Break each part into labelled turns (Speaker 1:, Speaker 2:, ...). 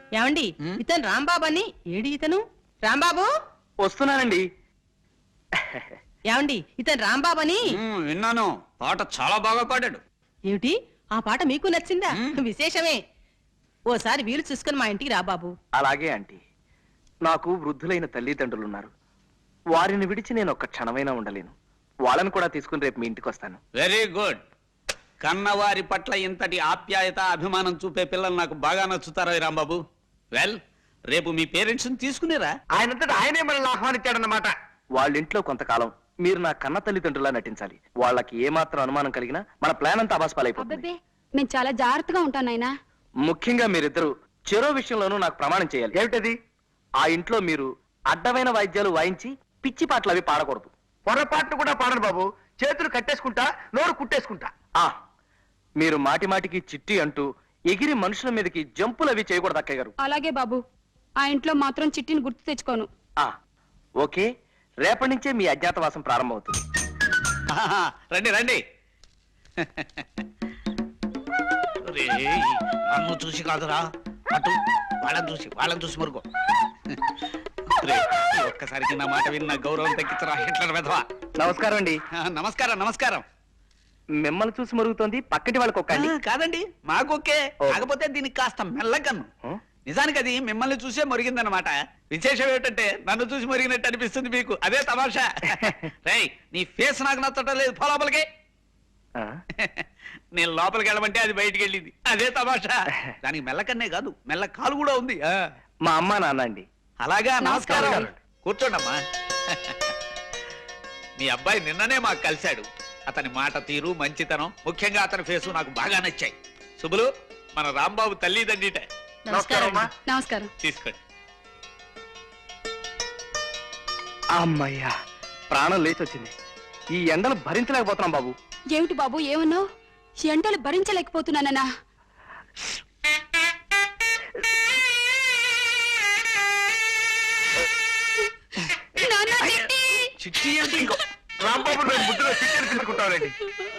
Speaker 1: ఏమండి ఇతను రాంబాబు అని ఏడి ఇతను రాంబాబు
Speaker 2: వస్తున్నానండి.
Speaker 1: ఏమండి ఇతను రాంబాబు అని
Speaker 3: విన్నాను. పాట చాలా బాగా పాడాడు.
Speaker 1: ఏమిటి ఆ పాట మీకు నచ్చిందా? విశేషమే. ఓసారి వీలు చూసుకుని మా ఇంటికి రా బాబు.
Speaker 2: అలాగే ఆంటీ. నాకు వృద్ధులైన తల్లిదండ్రులున్నారు. వారిని విడిచి నేను ఒక్క క్షణమైనా ఉండలేను. వాళ్ళని కూడా తీసుకుని రేపు మీ ఇంటికి వస్తాను.
Speaker 3: Very good. కన్నవారి పట్ల ఇంతటి ఆప్యాయత అభిమానం చూపే పిల్లలు నాకు బాగా నచ్చుతారా రాంబాబు? వెల్, రేపు మీ పేరెంట్స్ తీసుకునేరా?
Speaker 2: ఆయనంతటా ఆయనే మనల్ని ఆహ్వానించాడన్నమాట. వాళ్ళ ఇంట్లో కొంతకాలం మీరు నా కన్న తల్లిదండ్రులా నటించాలి. వాళ్ళకి ఏమాత్రం అనుమానం కలిగినా మన ప్లాన్ అంతా అబాస్పాలైపోతుంది.
Speaker 4: నేను చాలా జాగ్రత్తగా ఉంటాను నాయనా.
Speaker 2: ముఖ్యంగా మీరిద్దరు చెరో విషయంలోనూ నాకు ప్రమాణం చేయాలి. ఏమిటది? ఆ ఇంట్లో మీరు అడ్డమైన వాయిద్యాలు వాయించి పిచ్చి పాటలు అవి పాడకూడదు. పొరపాట్లు కూడా పాడరు బాబు. చేతులు కట్టేసుకుంటా, నోరు కుట్టేసుకుంటా. మీరు మాటి మాటికి చిట్టి అంటూ ఎగిరి మనుషుల మీదకి జంపులు అవి చేయకూడదు అక్కయ్య గారు.
Speaker 4: అలాగే బాబు. ఆ ఇంట్లో మాత్రం చిట్టిని గుర్తు తెచ్చుకోను.
Speaker 2: ఓకే, రేపటి నుంచే మీ అజ్ఞాతవాసం ప్రారంభమవుతుంది.
Speaker 3: రండి రండి. నన్ను చూసి కాదురా, అటు వాళ్ళని చూసి మరుగో. ఒక్కసారికి నా మాట విన్న గౌరవం తగ్గించరా హిట్లర్ వెధవా.
Speaker 2: నమస్కారం అండి.
Speaker 3: నమస్కారం నమస్కారం.
Speaker 2: మిమ్మల్ని చూసి మరుగుతోంది, పక్కటి వాళ్ళకి ఒక్క
Speaker 3: కాదండి, మాకొకే. కాకపోతే దీనికి కాస్త మెల్లకన్ను. నిజానికి అది మిమ్మల్ని చూసే మరిగిందనమాట. విశేషం ఏమిటంటే నన్ను చూసి మరిగినట్టు అనిపిస్తుంది మీకు. అదే తమాషా. రై, నీ ఫేస్ నాకు నచ్చటం లేదు, పో లోపలికి. నేను లోపలికి వెళ్ళమంటే అది బయటికి వెళ్ళింది. అదే తమాషా. దానికి మెల్లకన్నే కాదు, మెల్ల కాలు కూడా ఉంది.
Speaker 2: మా అమ్మ నాన్న అండి.
Speaker 3: అలాగా, నమస్కారం. కూర్చోండమ్మా. మీ అబ్బాయి నిన్ననే మాకు కలిశాడు. అతని మాట తీరు, మంచితనం, ముఖ్యంగా అతని ఫేసు నాకు బాగా నచ్చాయి. శుభులు, మన రాంబాబు తల్లిదండ్రిట.
Speaker 4: నమస్కారం.
Speaker 3: తీసుకోండి.
Speaker 2: అమ్మయ్యా, ప్రాణం లేచి వచ్చింది. ఈ ఎండలు భరించలేకపోతున్నాం బాబు.
Speaker 4: ఏమిటి బాబు ఏమన్నావు? ఎండలు భరించలేకపోతున్నానన్నా?
Speaker 3: చిట్టి అంటే ఇంకో
Speaker 2: రాంబాబు బుద్ధిలో చిట్టీలు తీసుకుంటారండి.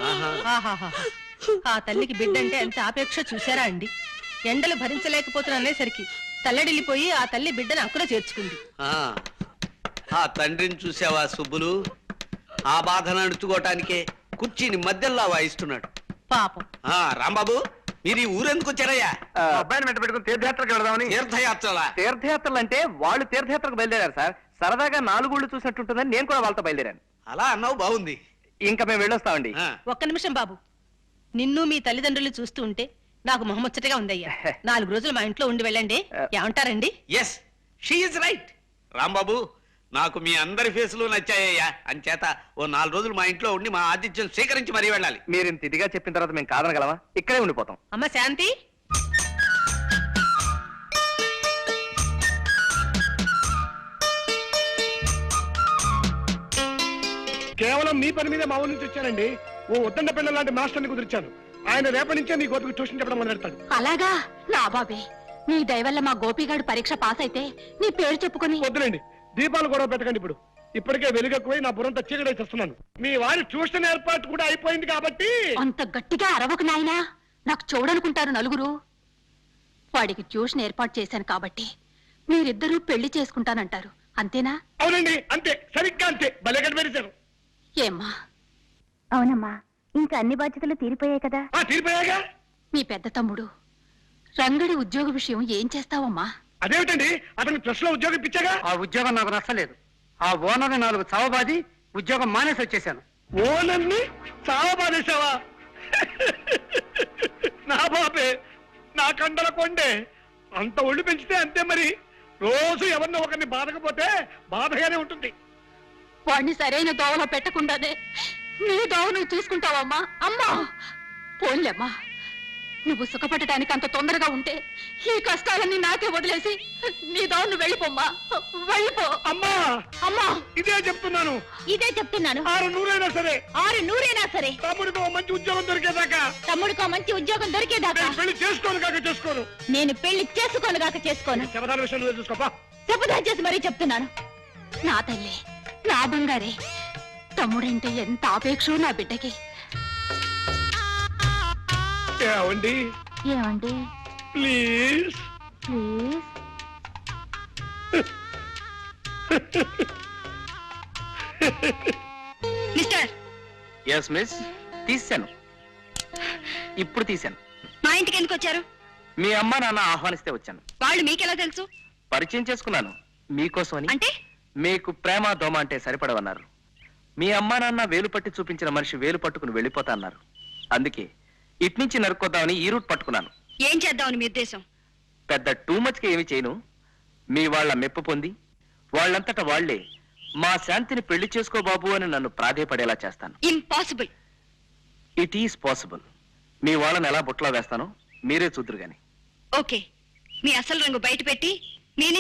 Speaker 1: ఆ తల్లికి బిడ్డంటే ఎంత ఆపేక్ష చూసారా అండి. ఎండలు భరించలేకపోతున్నసరికి తల్లడిల్లిపోయి ఆ తల్లి బిడ్డను అక్కున చేర్చుకుంది.
Speaker 5: ఆ తండ్రిని చూసావా సుబ్బులు? ఆ బాధను అణుచుకోవటానికే కుర్చీని మధ్యలో వాయిస్తున్నాడు
Speaker 1: పాపం.
Speaker 5: రాంబాబు, మీరు ఈ ఊరెందుకు వచ్చారయ్యా?
Speaker 2: అబ్బాయిని వెంట పెట్టుకుని తీర్థయాత్రకు వెళదామని.
Speaker 5: తీర్థయాత్రలా?
Speaker 2: తీర్థయాత్రలు అంటే వాళ్ళు తీర్థయాత్రకు బయలుదేరారు సార్. సరదాగా 4 ఊళ్ళు చూసినట్టుంటుందని నేను కూడా వాళ్ళతో బయలుదేరాను.
Speaker 5: అలా అన్నావు, బాగుంది.
Speaker 2: ఇంకా మేము వెళ్ళొస్తామండి.
Speaker 1: ఒక్క నిమిషం బాబు. నిన్ను మీ తల్లిదండ్రులు చూస్తూ ఉంటే నాకు మొహముచ్చటగా ఉందయ్యా. 4 రోజులు మా ఇంట్లో ఉండి వెళ్ళండి. ఏమంటారండి?
Speaker 5: Yes, she is right. Rambabu, నాకు మీ అందరి ఫేసులు నచ్చాయ్యా. అంచేత ఓ 4 రోజులు మా ఇంట్లో ఉండి మా ఆతిథ్యం స్వీకరించి మరీ వెళ్ళాలి.
Speaker 2: మీరు ఇంత ఇదిగా చెప్పిన తర్వాత మేము కాదనగలమా? ఇక్కడే ఉండిపోతాం.
Speaker 1: అమ్మ శాంతి,
Speaker 6: కేవలం మీ పని మీద మా ఊరి నుంచి వచ్చానండి. ఓ ఉద్దండ పిల్లల లాంటి మాస్టర్ని కుదిర్చాను. ఆయన రేపటి నుంచే మీ గోపికి ట్యూషన్ చెప్పడం మొదలెడతాడు.
Speaker 4: అలాగా? నా బాబే, నీ దయవల్ల మా గోపిగాడు పరీక్ష పాస్ అయితే నీ పేరు చెప్పుకొని.
Speaker 6: వద్దులేండి, దీపాలు గొడవ పెట్టకండి. ఇప్పటికే వెలుగెక్కువై నా బుర్రంతా చీకటి చేస్తున్నాను. మీ వారి ట్యూషన్ ఏర్పాటు కూడా అయిపోయింది కాబట్టి.
Speaker 4: అంత గట్టిగా అరవకు నాయనా, నాకు చూడనుకుంటారు నలుగురు. వాడికి ట్యూషన్ ఏర్పాటు చేశాను కాబట్టి మీరిద్దరూ పెళ్లి చేసుకుంటానంటారు, అంతేనా?
Speaker 6: అవునండి, అంతే, సరిగ్గా అంతే. భలే కనిపెట్టారు.
Speaker 4: ఏమ్మా?
Speaker 7: అవునమ్మా, ఇంకా అన్ని బాధ్యతలు తీరిపోయాయి కదా.
Speaker 6: తీరిపోయాగా.
Speaker 4: మీ పెద్ద తమ్ముడు రంగడి ఉద్యోగ విషయం ఏం చేస్తావమ్మా?
Speaker 6: అదేమిటండి, అతని ప్రెస్ లో ఉద్యోగం ఇప్పించాగా.
Speaker 8: ఆ ఉద్యోగం నాకు నచ్చలేదు. ఆ ఓనర్ని 4 చావబాది ఉద్యోగం మానేసి వచ్చేసాను.
Speaker 6: ఓనర్ని చావబాదేశావా? నా బాబే, నా కండల కొండే. అంత ఒళ్ళు పెంచితే అంతే మరి. రోజు ఎవరినో ఒకరిని బాధకపోతే బాధగానే ఉంటుంది.
Speaker 4: వాడిని సరైన దోవలో పెట్టకుండానే నీ దోవ నువ్వు చూసుకుంటావమ్మా. అమ్మా పోన్లేమ్మా, నువ్వు సుఖపడటానికి అంత తొందరగా ఉంటే ఈ కష్టాలన్నీ నాకే వదిలేసి నీ దోవ నువ్వు వెళ్ళిపోమ్మా, వెళ్ళిపో.
Speaker 6: అమ్మా
Speaker 4: అమ్మా,
Speaker 6: ఇదే చెప్తున్నాను.
Speaker 4: 6
Speaker 6: నూరైనా సరే,
Speaker 4: 6 నూరైనా సరే
Speaker 6: తమ్ముడికి మంచి ఉద్యోగం దొరికేదాకా.
Speaker 4: తమ్ముడికో మంచి ఉద్యోగం దొరికేదాకా
Speaker 6: పెళ్లి చేసుకోను కాక చేసుకోను.
Speaker 4: నేను పెళ్లి చేసుకోనుగాక చేసుకోను.
Speaker 6: శపథాల విషయంలో చూసుకోపా.
Speaker 4: శపథం చేసి మరీ చెప్తున్నాను. నా తల్లి, నా బంగారే, తమ్ముడంటే ఎంత ఆపేక్షో నా బిడ్డకి.
Speaker 6: ఏమండి
Speaker 7: ఏమండి?
Speaker 6: ప్లీజ్
Speaker 7: ప్లీజ్
Speaker 2: ఎస్ మిస్, తీశాను. ఇప్పుడు తీశాను.
Speaker 4: మా ఇంటికి ఎందుకు వచ్చారు?
Speaker 2: మీ అమ్మ నాన్న ఆహ్వానిస్తే వచ్చాను.
Speaker 4: వాళ్ళు మీకెలా తెలుసు?
Speaker 2: పరిచయం చేసుకున్నాను మీకోసమని.
Speaker 4: అంటే
Speaker 2: మీకు ప్రేమ దోమ అంటే సరిపడవన్నారు. మీ అమ్మా నాన్న వేలు పట్టి చూపించిన మనిషి వేలు పట్టుకుని వెళ్ళిపోతా అన్నారు. అందుకే ఇట్నుంచి నరుక్కొద్దామని ఈ రూట్ పట్టుకున్నాను.
Speaker 4: ఏం చేద్దామని మీ ఉద్దేశం?
Speaker 2: పెద్ద టూ మచ్కి ఏమి చేయను. మీ వాళ్ళ మెప్పు పొంది వాళ్ళంతట వాళ్లే మా శాంతిని పెళ్లి చేసుకో బాబు అని నన్ను ప్రాధేయపడేలా చేస్తాను.
Speaker 4: ఇంపాసిబుల్.
Speaker 2: It is possible. మీ వాళ్ళని ఎలా బుట్టలో వేస్తానో మీరే చూద్దరు గాని.
Speaker 4: ఓకే, మీ అసలు రంగు బయట పెట్టి